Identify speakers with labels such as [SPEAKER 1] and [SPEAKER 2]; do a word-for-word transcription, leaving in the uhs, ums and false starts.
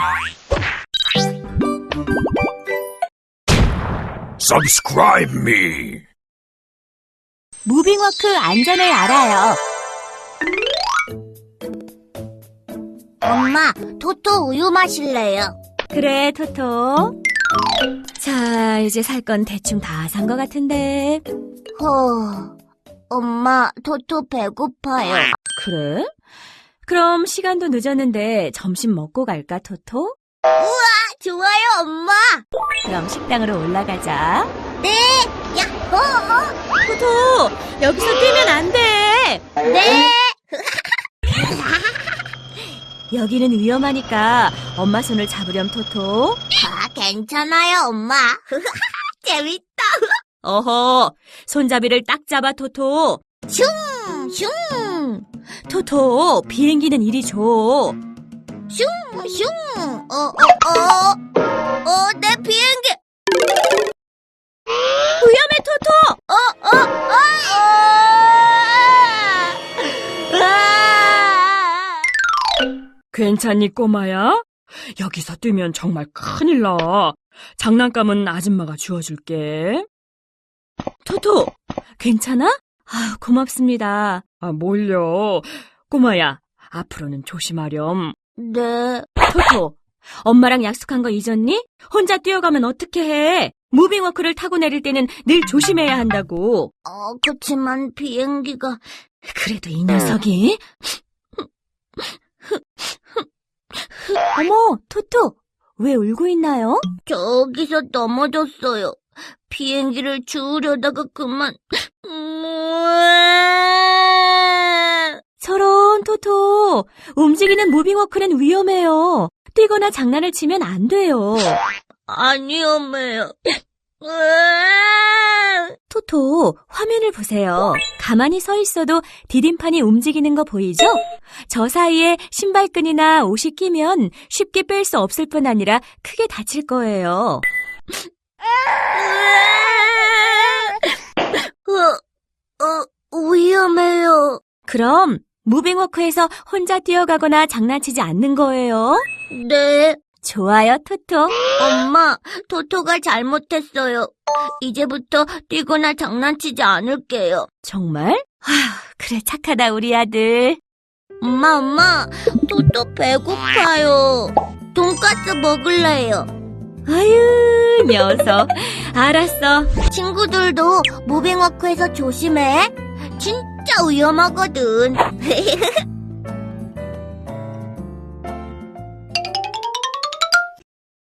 [SPEAKER 1] Subscribe me.
[SPEAKER 2] 무빙워크 안전을 알아요.
[SPEAKER 3] 엄마, 토토 우유 마실래요?
[SPEAKER 2] 그래, 토토. 자, 이제 살 건 대충 다 산 것 같은데.
[SPEAKER 3] 허, 엄마, 토토 배고파요.
[SPEAKER 2] 그래? 그럼 시간도 늦었는데 점심 먹고 갈까, 토토?
[SPEAKER 3] 좋아요, 엄마.
[SPEAKER 2] 그럼 식당으로 올라가자.
[SPEAKER 3] 네, 야호.
[SPEAKER 2] 토토, 여기서 뛰면 안 돼.
[SPEAKER 3] 네.
[SPEAKER 2] 여기는 위험하니까 엄마 손을 잡으렴, 토토.
[SPEAKER 3] 아, 괜찮아요, 엄마. 재밌다.
[SPEAKER 2] 어허, 손잡이를 딱 잡아, 토토.
[SPEAKER 3] 슝, 슝,
[SPEAKER 2] 토토, 비행기는 이리 줘.
[SPEAKER 3] 슝, 슝. 어, 어, 어. 어, 내 비행기.
[SPEAKER 2] 위험해, 토토.
[SPEAKER 3] 어, 어, 어. 아.
[SPEAKER 2] 괜찮니, 꼬마야? 여기서 뛰면 정말 큰일 나. 장난감은 아줌마가 주워줄게. 토토, 괜찮아? 아유, 고맙습니다. 아, 뭘요? 꼬마야, 앞으로는 조심하렴.
[SPEAKER 3] 네.
[SPEAKER 2] 토토, 엄마랑 약속한 거 잊었니? 혼자 뛰어가면 어떻게 해? 무빙워크를 타고 내릴 때는 늘 조심해야 한다고.
[SPEAKER 3] 어, 그치만 비행기가.
[SPEAKER 2] 그래도 이 녀석이. 어머, 토토, 왜 울고 있나요?
[SPEAKER 3] 저기서 넘어졌어요. 비행기를 주우려다가 그만.
[SPEAKER 2] 저런, 토토. 움직이는 무빙워크는 위험해요. 뛰거나 장난을 치면 안 돼요.
[SPEAKER 3] 안 위험해요.
[SPEAKER 2] 토토, 화면을 보세요. 가만히 서 있어도 디딤판이 움직이는 거 보이죠? 저 사이에 신발끈이나 옷이 끼면 쉽게 뺄 수 없을 뿐 아니라 크게 다칠 거예요.
[SPEAKER 3] 어, 어, 위험해요.
[SPEAKER 2] 그럼 무빙워크에서 혼자 뛰어가거나 장난치지 않는 거예요.
[SPEAKER 3] 네.
[SPEAKER 2] 좋아요, 토토.
[SPEAKER 3] 엄마, 토토가 잘못했어요. 이제부터 뛰거나 장난치지 않을게요.
[SPEAKER 2] 정말? 아휴, 그래, 착하다, 우리 아들.
[SPEAKER 3] 엄마, 엄마, 토토 배고파요. 돈까스 먹을래요.
[SPEAKER 2] 아유, 녀석. 알았어.
[SPEAKER 3] 친구들도 무빙워크에서 조심해. 진짜 위험하거든.